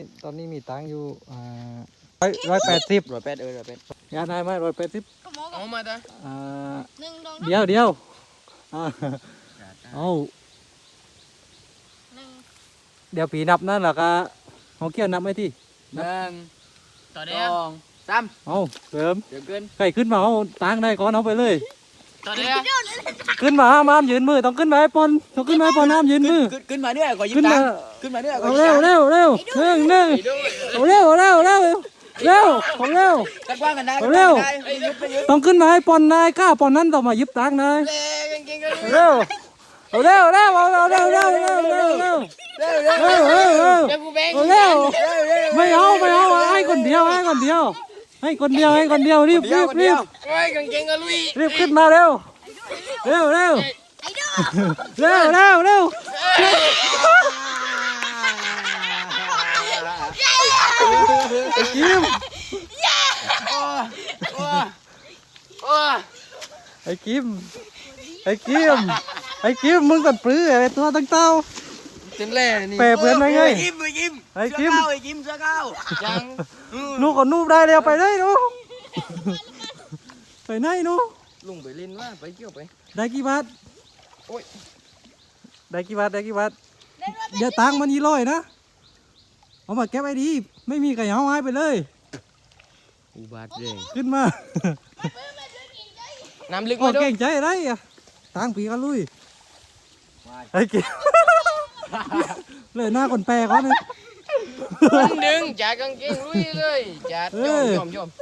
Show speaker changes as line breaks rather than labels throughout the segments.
ตอนนี้มีตังค์อยู่180ยาได้ไหม180
เอามาจ้ะ
เดี๋ยวเอาเดี๋ยวผีนับนั่นแหละก็เขาเกี่ยวนับไหมที่
1 ต่อเดียว3
เอาเริ่ม
เดี๋ยวขึ้น
ใครขึ้นมาเอาตังค์ได้ก่อนเอาไปเลย
ต่อเดียว
ขึ้นมาห้ามยืนมือต้องขึ้นมาให้ปอนต้องขึ้นมาให้ปอนห้ามยืนมือ
ขึ้นมาเนี่ยก่อนยิ้ม
ขึ้น
ตา
มา
ขึ้นมาเนี่ยก่อ
เอา
น
เร็วหนึ่งเอาเร็วของเร็ว
กันกว้างกันได้
เอาเร็ว
ยึดไปยึด
ต้องขึ้นมาให้ปอนนายก้าปอนนั้นต้องมายิบตังค์นาย
เก่งๆกัน
เร็วเอาเร็วเอาเร็วเไม่เอาให้คนเดียวรีบ
โอ้ยเก่งๆกันลุย
รีบขึ้นมาเร็วไอ้กิมไอ้กิมมึงกันปลื้อไอ้ตัวตั้งเต้า
เต็มแร่นี่
เปรย์เพื่อนไหมไง
ไอ้กิมเสื้อก้าวยัง
นูก็นูได้แล้วไปได้นูไปไหนนู
ลุงไปเล่นว่าไปเกี่ยวไป
ได้กี่บาท
โอ้ย
ได้กี่บาทเดี๋ยวตังค์มัน200นะเอามาเก็บไว้ดีไม่มีใครเอาให้ไปเลย
อุบาทเร่ง
ขึ้นมา
น้ำลึก
โอ้
มาด้ว
เก่
ย
งใจอะไรอ่ะตังค์ปีกันลุยไอ้กิมเลยหน้าคนแปลเขาเนี่ย
ดึงจากกางเกงลุยเลยจัดยอม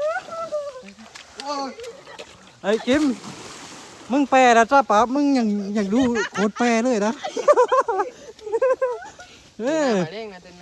ไอ้กิมมึงแปลนะจ้าป๋ามึงยังดูโคตรแปลเลยนะ
มาเร่งนะเต้น